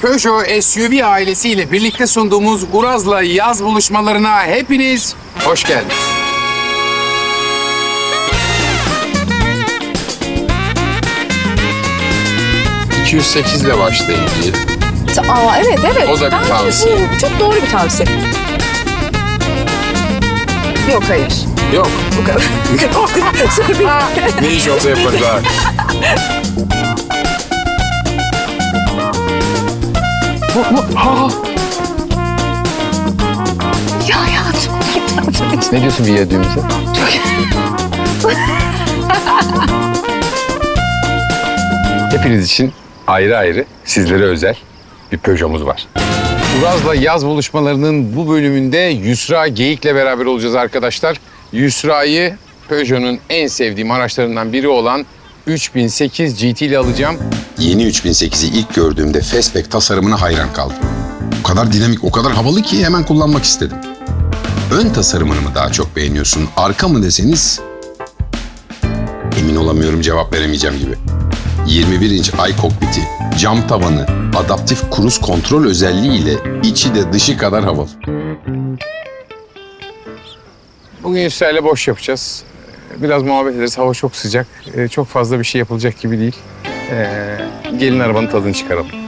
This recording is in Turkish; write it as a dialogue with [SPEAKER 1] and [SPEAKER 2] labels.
[SPEAKER 1] Peugeot SUV ailesiyle birlikte sunduğumuz Uraz'la yaz buluşmalarına hepiniz hoş geldiniz. ...208 ile başlayın diye.
[SPEAKER 2] Aa, evet.
[SPEAKER 1] O da bir
[SPEAKER 2] Bence
[SPEAKER 1] tavsiye.
[SPEAKER 2] Bu çok doğru bir tavsiye. Yok, hayır.
[SPEAKER 1] Yok.
[SPEAKER 2] Bu kadar.
[SPEAKER 1] Ne iş olsa yaparız ha.
[SPEAKER 2] Ya hayatım.
[SPEAKER 1] Ne diyorsun viyadüğümüze? Hepiniz için ayrı ayrı, sizlere özel bir Peugeot'umuz var. Uraz'la yaz buluşmalarının bu bölümünde Yusra Geyik'le beraber olacağız arkadaşlar. Yusra'yı Peugeot'un en sevdiğim araçlarından biri olan 3008 GT ile alacağım.
[SPEAKER 3] Yeni 3008'i ilk gördüğümde Fastback tasarımına hayran kaldım. O kadar dinamik, o kadar havalı ki hemen kullanmak istedim. Ön tasarımını mı daha çok beğeniyorsun, arka mı deseniz... Emin olamıyorum, cevap veremeyeceğim gibi. 21 inç iCockpit'i, cam tavanı, adaptif cruise kontrol özelliğiyle içi de dışı kadar havalı.
[SPEAKER 1] Bugün Yusra ile boş yapacağız. Biraz muhabbet ederiz. Hava çok sıcak. Çok fazla bir şey yapılacak gibi değil. Gelin arabanın tadını çıkaralım.